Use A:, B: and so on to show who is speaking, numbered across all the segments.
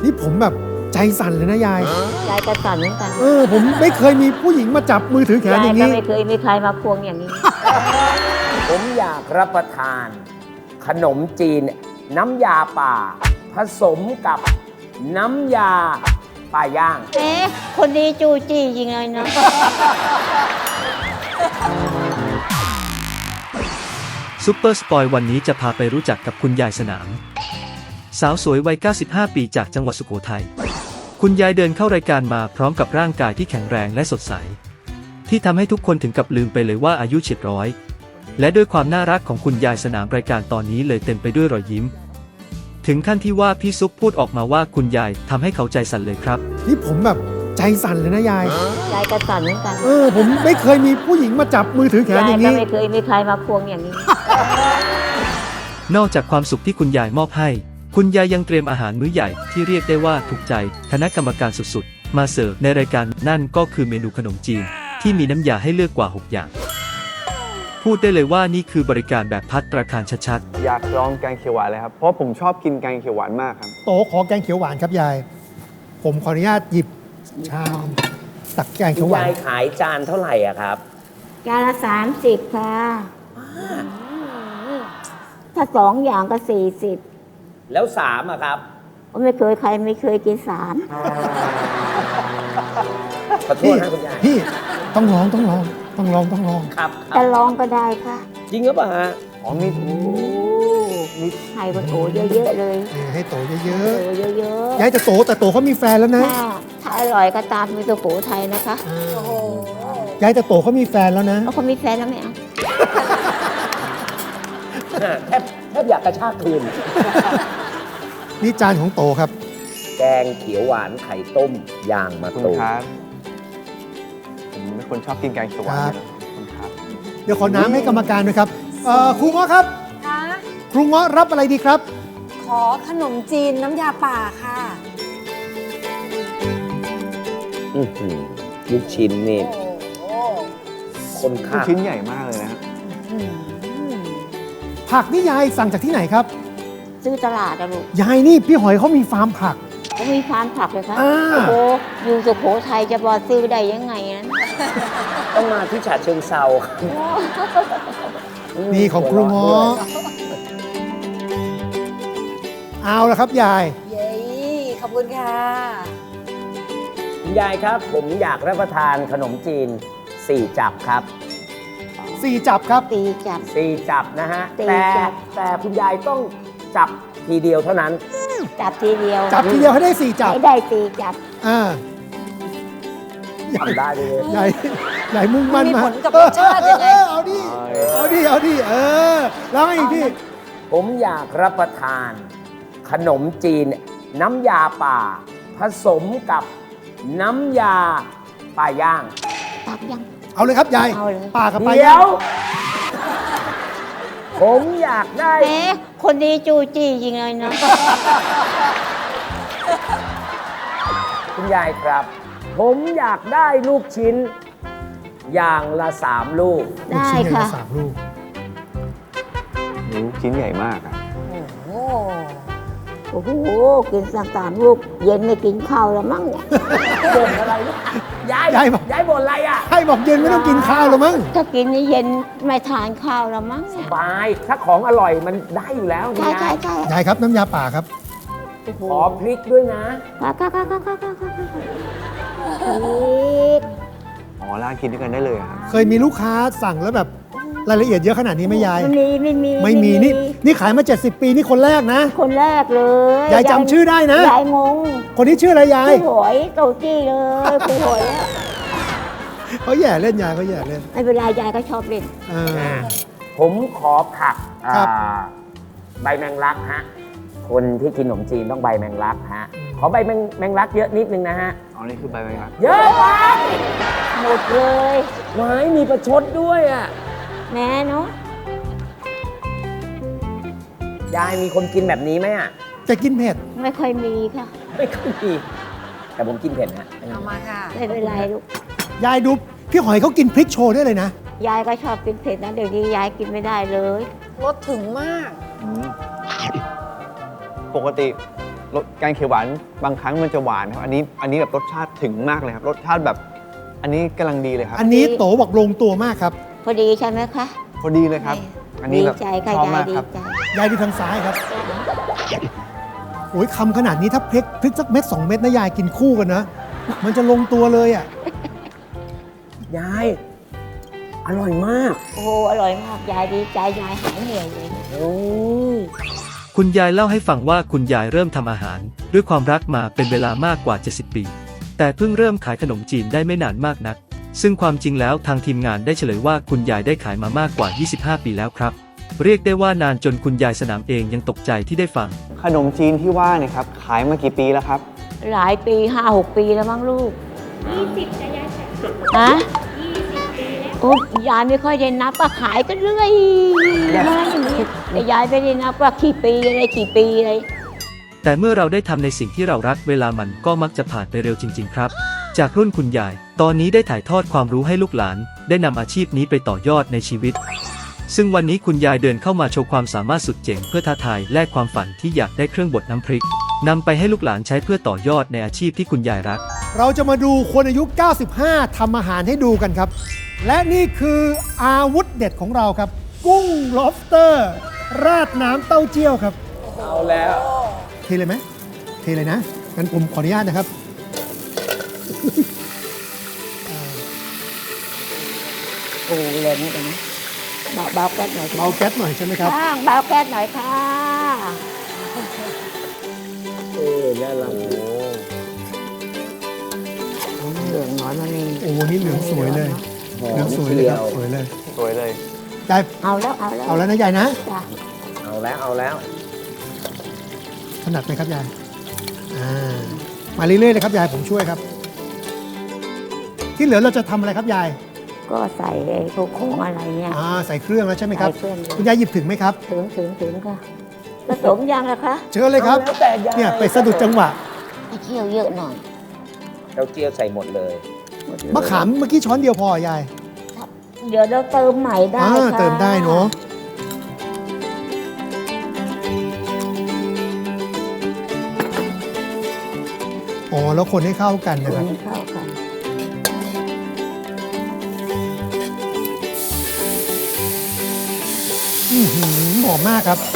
A: นี่ผมแบบใจสั่นเลยนะยาย
B: ยายก็สั่นเหมือนกัน
A: ผมไม่เคยมีผู้หญิงมาจับมือถือแขน
B: ยา
A: อย ย่าง
B: ก็
A: นี้
B: ไม่เคยมีใครมาควงอย่างนี้
C: ผมอยากรับประทาน ขนมจีน น้ำยาป่า ผสมกับน้ำยาป่าย่าง
B: เอ๊ะคนดีจู้จี้จริงเลยนะ
D: ซุปเปอร์สปอยวันนี้จะพาไปรู้จักกับคุณยายสนาม สาวสวยวัย 95 ปีจากจังหวัดสุโขทัย คุณยายเดินเข้ารายการมาพร้อมกับร่างกายที่แข็งแรงและสดใส ที่ทำให้ทุกคนถึงกับลืมไปเลยว่าอายุเฉียดร้อย และด้วยความน่ารักของคุณยายสนามรายการตอนนี้เลยเต็มไปด้วยรอยยิ้ม ถึงขั้นที่ว่าพี่ซุปพูดออกมาว่าคุณยายทำให้เขาใจสั่นเลยครับ
A: นี่ผมแบบใจสั่นเลยนะยาย
B: ยายก็สั่นเหมือนกัน
A: ผมไม่เคยมีผู้หญิงมาจับมือถือแขน
B: ยา
A: อย ย่าง
B: ก็
A: นี้
B: ไม่เคยมีใครมาควงอย่างนี้
D: นอกจากความสุขที่คุณยายมอบให้ คุณยายยังเตรียมอาหารมื้อใหญ่ที่เรียกได้ว่าถูกใจคณะกรรมการสุดๆ มาเสิร์ฟในรายการนั่นก็คือเมนูขนมจีนที่มีน้ำยาให้เลือกกว่า 6 อย่าง พูดได้เลยว่านี่คือบริการแบบภัตตาคารชัดๆ
E: อยากลองแกงเขียวหวานเลยครับ เพราะผมชอบกินแกงเขียวหวานมากครับ
A: โตขอแกงเขียวหวานครับยาย ผมขออนุญาตหยิบชามตักแกง
C: คุ
A: เขียว
C: ณ
A: หวาย
C: าน ยขายจานเท่าไหร่อะครับ
B: จานละ30ค่ะถ้า2 อย่างก็40
C: แล้วสามอะครับ
B: ไม่เคยใครไม่เคยกิน3
C: ขอโทษนะคุณยาย
A: พี่ต้องลอง
C: ครับค
B: จะ
C: รับ
B: ลองก็ได้ค่ะ
C: จริงหรือเปล่าฮะ
E: อ๋อมี
B: ให้คนโอเยอะๆเลย
A: ให้โตเย
B: โอ
A: อะ
B: เยอะ
A: ๆยายจะโตแต่โตเขามีแฟนแล้ว
B: ๆ
A: นะ
B: ถ้าอร่อยก็ตามมีสุโขทัยนะคะ
A: ยายจะโตเขามีแฟนแล้วนะ
B: แล้วคนมีแฟนแล้วไม่เอา
C: แทบอยากกระชากคืน
A: นี่จานของโตครับ
C: แกงเขียวหวานไข่ต้มย่างมะ
E: คุณ
C: ตูม
E: ครับผมเป็นคนชอบกินแกงเขียวหวาน
A: ครับ
E: อยู่แล้วขอบคุณครับ
A: เดี๋ยวขอน้ำให้กรรมการด้วยครับครูเงาะครับ
F: คะ
A: ครูเงาะรับอะไรดีครับ
F: ขอขนมจีนน้ำยาป่าค่ะ
C: อื้อหือลูกชิ้นนี่
F: โอ้
C: คน
E: ลูก
C: ข้าง
E: ชิ้นใหญ่มากเลยนะครับ
A: ผักนี่ยายสั่งจากที่ไหนครับ
B: ซื้อตลาดอะลูก
A: ยายนี่พี่หอยเขามีฟาร์มผัก
B: ก็มีฟาร์มผักเลยค่ะ
A: อ่า
B: โอ้โหอยู่สุโขทัยจะบอซื้อได้ยังไงนั้น
C: ต้องมาที่ฉะเชิงเซา
A: นี่ของครูเงาะเอาละครับยาย
F: เย้ขอบคุณค่ะ
C: คุณยายครับ ผมอยากรับประทานขนมจีน 4 จับครับ
A: 4 จับครับ
B: ตีจับ
C: 4 จับนะฮะ
B: สี่
C: แต่
B: จับ
C: แต่คุณยายต้องจับทีเดียวเท่านั้น
B: จับทีเดียว
A: จับทีเดียวให้ได้ 4 จับ
B: ให้ได้ตีจับ
A: อ่า
C: ทำได้เลย
A: ยายมุ่งมั่น
F: มี
A: มา
F: ผลกับรสชาติยังไง
A: เอาดิแล้วไงอีกพี่
C: ผมอยากรับประทาน ขนมจีน น้ำยาป่า ผสมกับน้ำยาป่าย่าง
B: ตักยัง
A: เอาเลยครับยาย
B: เอาเลย
A: ปากกับไป
C: เดี๋ยว ผมอยากได้
B: เอ๊ะคนดีจู้จี้จริงเลยนะ
C: คุณยายครับ ผมอยากได้ลูกชิ้น อย่างละ 3 ลูก
A: ลูก
B: ได้
A: ชิ้นใหญ่
B: ค่ะ
A: ละ3 ลูก
E: ลูกชิ้นใหญ่มากครับ
F: โอ้
B: โอ้โหกิน3 ลูก เย็นไม่กินข้าวแล้วมั้งเนี่ย
C: บ่นอะไรเนี่ยยาย
A: ยายบอก
C: ยายบ่นอะไรอ่ะ
A: ให้บอกเย็นไม่ต้องกินข้าวหรอมั้ง
B: ถ้ากินนี่เย็นไม่ทานข้าวแล้วมั้งเนี่ย
C: บาย ถ้าของอร่อยมันได้อยู่แล้วคุณ
B: ใช่
C: ยาย
A: ยายครับน้ำยาป่าครับ
B: โอ้โห
C: ขอพริกด้วยนะ
E: อ๋อราดกินด้วยกันได้เลยครับ
A: เคยมีลูกค้าสั่งแล้วแบบรายละเอียดเยอะขนาดนี้ไหมยาย
B: ไม่มี
A: นี่ขายมา 70 ปีนี่คนแรกนะ
B: คนแรกเลย
A: ยายจำชื่อได้นะ
B: ยายงง
A: คนนี้ชื่ออะไรยาย
B: ผู้หอยโตจี้เลยผู้หอยอะ
A: เขาแย่เล่นยายเขาแย่เล่น
B: ไม่เป็นไรยายก็ชอบเล่น
C: ผมขอผัก
A: ครับ
C: ใบแมงลักฮะ คนที่กินขนมจีนต้องใบแมงลักฮะ ขอใบแมงลักเยอะนิดนึงนะฮะ
E: อ๋อนี่คือใบแมงลัก
C: เยอะไป
B: หมดเลย
C: ไม้มีประชดด้วยอ่ะ
B: แม่เนาะ
C: ยายมีคนกินแบบนี้ไหมอ่ะ
A: จะกินเผ็ด
B: ไม่ค่อยมีค่ะ
C: ไม่ค่อยมีแต่ผมกินเผ็ดฮะ
F: เอามาค่ะ
B: ไม่เป็นไรลูก
A: ยายดูพี่หอยเขากินพริกโชว์ได้เลยนะ
B: ยายก็ชอบกินเผ็ดนะเดี๋ยวนี้ยายกินไม่ได้เลย
F: รสถึงมาก
E: ปกติรสแกงเขียวหวานบางครั้งมันจะหวานครับอันนี้แบบรสชาติถึงมากเลยครับรสชาติแบบอันนี้กำลังดีเลยครับ
A: อันนี้โตบอกลงตัวมากครับ
B: พอดีใช่ไหมคะ
E: พอดีเลยครับ อันนี้
B: ดี
E: แบบ
B: ใจค่ะ
E: ชอบ
B: ยาย
E: มาก
B: ดี
E: ครับ
B: ใจ
A: ยายดูทางซ้ายครับโอ้ยคำขนาดนี้ถ้าพริกสักเม็ด2 เม็ดนะยายกินคู่กันนะ มันจะลงตัวเลยอ่ะ
C: ยาย อร่อยมาก
B: โอ้โหอร่อยมากยายดีใจยายหายเหนื่อยเลย
C: โอ้ย
D: คุณยายเล่าให้ฟังว่าคุณยายเริ่มทำอาหาร ด้วยความรักมาเป็นเวลามากกว่า 70 ปี แต่เพิ่งเริ่มขายขนมจีนได้ไม่นานมากนัก ซึ่งความจริงแล้วทางทีมงานได้เฉลยว่าคุณยายได้ขายมามากกว่า 25 ปีแล้วครับ เรียกได้ว่านานจนคุณยายสนามเองยังตกใจที่ได้ฟัง
E: ขนมจีนที่ว่าเนี่ยครับขายมากี่ปีแล้วครับ
B: หลายปี 5-6 ปีแล้วมั้งลูก20จะยายฮะ20 ปีแล้วโอ้ยายไม่ค่อยได้นับว่าขายกันเรื่อยมาอย่างนี้แต่ยายไม่ได้นับว่ากี่ปีอะไรกี่ปีอะไร
D: แต่เมื่อเราได้ทำในสิ่งที่เรารักเวลามันก็มักจะผ่านไปเร็วจริง ๆ ครับ จากรุ่นคุณยาย ตอนนี้ได้ถ่ายทอดความรู้ให้ลูกหลาน ได้นำอาชีพนี้ไปต่อยอดในชีวิต ซึ่งวันนี้คุณยายเดินเข้ามาโชว์ความสามารถสุดเจ๋งเพื่อท้าทายแลกความฝันที่อยากได้เครื่องบดน้ำพริกนำไปให้ลูกหลานใช้เพื่อต่อยอดในอาชีพที่คุณยายรัก
A: เราจะมาดูคนอายุ 95 ทำอาหารให้ดูกันครับ และนี่คืออาวุธเด็ดของเราครับ กุ้ง lobster ราดน้ำเต้าเจี้ยวครับ
C: เอาแล้ว
A: เทเลยไหมเทเลยนะ งั้นผมขออนุญาตนะครับ
B: โอ้เล่นกันนะเบาแก๊สหน่อย
A: เบาแก๊สหน่อยใช่ไหมครับ
B: ข้างเบาแก๊สหน่อยค่ะ
C: น่ารัก
B: เหลืองน้อยมานี่
A: โอ้โหนี่เหลืองสวยเลย
C: หอ
A: เหลือง
C: ม
A: สวยเลย
C: เชีย
A: ครับ
C: ว
A: สวยเลย
E: สวยเลย
A: ยาย
B: เอาแล้วเอาแล้ว
A: เอาแล้วนะยายนะ
B: จ้ะ
C: เอาแล้ว เอาแล้ว
A: ถนัดไหมครับยายมาเรื่อยๆเลยครับยายผมช่วยครับ ที่เหลือเราจะทำอะไรครับยาย
B: ก็ใส่ไอ้พวกของอะไรเนี่ย
A: ใส่เครื่องแล้วใช่ไหมครับ
B: ใส่เครื่องเลย
A: คุณยายหยิบถึงไหมครับ
B: ถึงค่ะผสมยังล่ะคะ
A: เชิญเลยครับ
C: เอาแล้วแต่ยาย
A: เนี่ยไปสะดุดจังหวะ
B: ให้เคี่ยวเยอะหน่อย
C: เต้าเจี้ยวใส่หมดเลย
B: หดเลย
A: มะขามเมื่อกี้ช้อนเดียวพอยาย
B: เดี๋ยวเราเติมใหม่ได้ค่ะ
A: เติมได้เนาะอ๋อแล้วคนให้เข้ากันนะครับ
B: ให้เข้ากัน
A: หอมมากครับ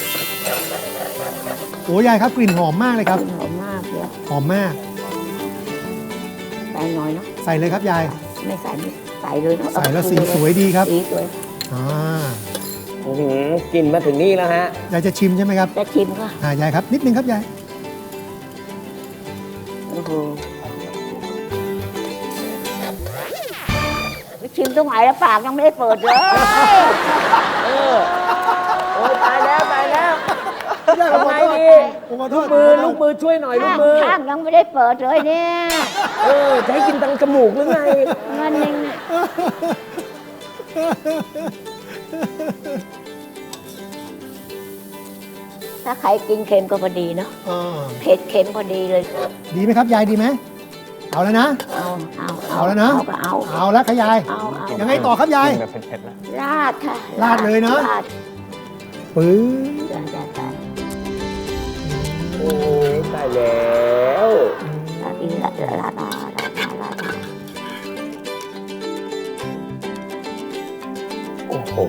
A: โอ้ยายครับกลิ่นหอมมากเลยครับ
B: หอมมากเดี๋ยว
A: หอมมาก
B: ใส่หน่อยเนาะ
A: ใส่เลยครับยาย
B: ไม่ใส่ไม่ใส่เลยเนาะ
A: ใส่แล้วสีสวยดีครับ
B: สีสวย
A: อ่า
C: กินมาถึงนี่แล้วฮะ
A: ยายจะชิมใช่ไหมครับ
B: จะชิมค่ะ
A: ยายครับนิดนึงครับยาย
B: โอ้โหชิมตรงไหนแล้วปากยังไม่ได้เปิดเลย
C: โอ้ยตายแล้วตายแล้ว
A: ยายผม
C: ทำ
A: ข
C: ไง
A: อโทษ
C: ดี
A: ผมขอโท
C: ลู
A: ษ
C: กมือลูกมือช่วยหน่อยลูกมือ
B: ข้างยังไม่ได้เปิดเลยเนี่ย
C: จะให้กินทางจมูกหรือไง
B: นั่นเองถ้าใครกินเค็มก็พอดีเนาะ
A: อ่า
B: เผ็ดเค็มพอดีเลย
A: ดีไหมครับยายดีไหมเอาแล้วนะ
B: เอา
A: แล้วนะ
B: เอาก็เอา
A: เอาแล้วครับยาย
B: เอา
A: ยังไงต่อครับยาย
E: กินแบบเผ็ดๆนะ
B: ราดค่ะ
A: ราดเลยเนอะ
B: ราด
A: ปื้อ
B: จ้ะ
C: โอ้ยตายแล้ว
B: ราดอีกราดราด
C: โอ้โห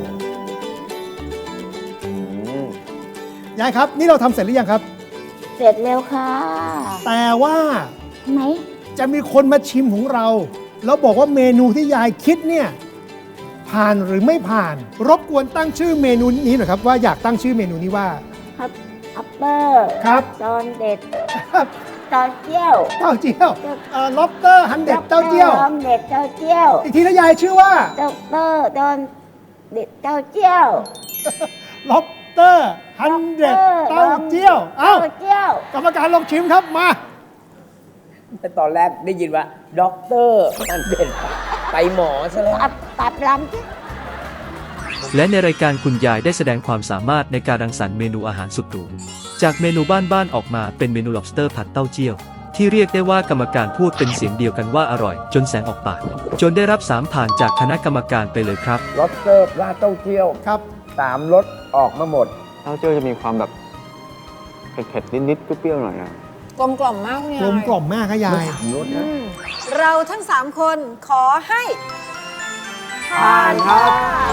A: ยายครับ นี่เราทำเสร็จหรือยังครับ
B: เสร็จแล้วค่ะ
A: แต่ว่า
B: ไหม
A: จะมีคนมาชิมของเรา แล้วบอกว่าเมนูที่ยายคิดเนี่ยผ่านหรือไม่ผ่าน รบกวนตั้งชื่อเมนูนี้หน่อยครับว่าอยากตั้งชื่อเมนูนี้ว่า
B: ครับอัปเปอร์
A: ครับ
B: ตอนเด็ด
A: ครับ
B: ตอนเจี้ยว
A: เต้าเจี้ยวล็อบเตอร์ฮันเด็ดเต้าเจี้ยว
B: ตอนเด็ดเต้าเจี้ยว
A: อีกทีนะยายชื่อว่า
B: ด็อกเตอร์ตอนเด็ดเต้าเจี้ยว
A: ล็อบเตอร์ฮันเด็ดเต้าเจี้ยวเอ้า
B: เต้าเจี้ยว
A: กรรมการลองชิมครับมา
C: แต่ตอนแรกได้ยินว่าด็อกเตอร์นั่นเป็นไปหมอซะแล้ว
B: ตัดลำที่
D: และในรายการคุณยายได้แสดงความสามารถในการรังสรรค์เมนูอาหารสุดหรูจากเมนูบ้านๆออกมาเป็นเมนู lobster ผัดเต้าเจี้ยว ที่เรียกได้ว่ากรรมการพูดเป็นเสียงเดียวกันว่าอร่อย จนแสงออกปาก จนได้รับ3ผ่านจากคณะกรรมการไปเลยครับ
C: ล็อบสเตอร์ราดเต้าเจี้ยว
A: ครับ
C: 3รสออกมาหมด
E: เต้าเจี้ยวจะมีความแบบเผ็ดๆนิดๆเปรี้ยวๆหน่อยนะ
F: กลมกล่อมมากคุณยาย
A: กลมกล่อมมากครับยาย
F: เราทั้ง 3 คนขอให้
E: ผ่านครับ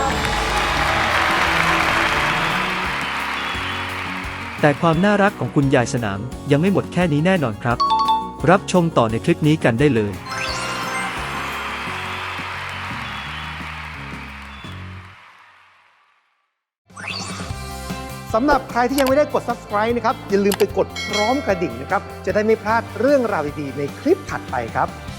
D: แต่ความน่ารักของคุณยายสนามยังไม่หมดแค่นี้แน่นอนครับ รับชมต่อในคลิปนี้กันได้เลย
A: สำหรับใครที่ยังไม่ได้กด subscribe นะครับ อย่าลืมไปกดพร้อมกระดิ่งนะครับ จะได้ไม่พลาดเรื่องราวดีๆในคลิปถัดไปครับ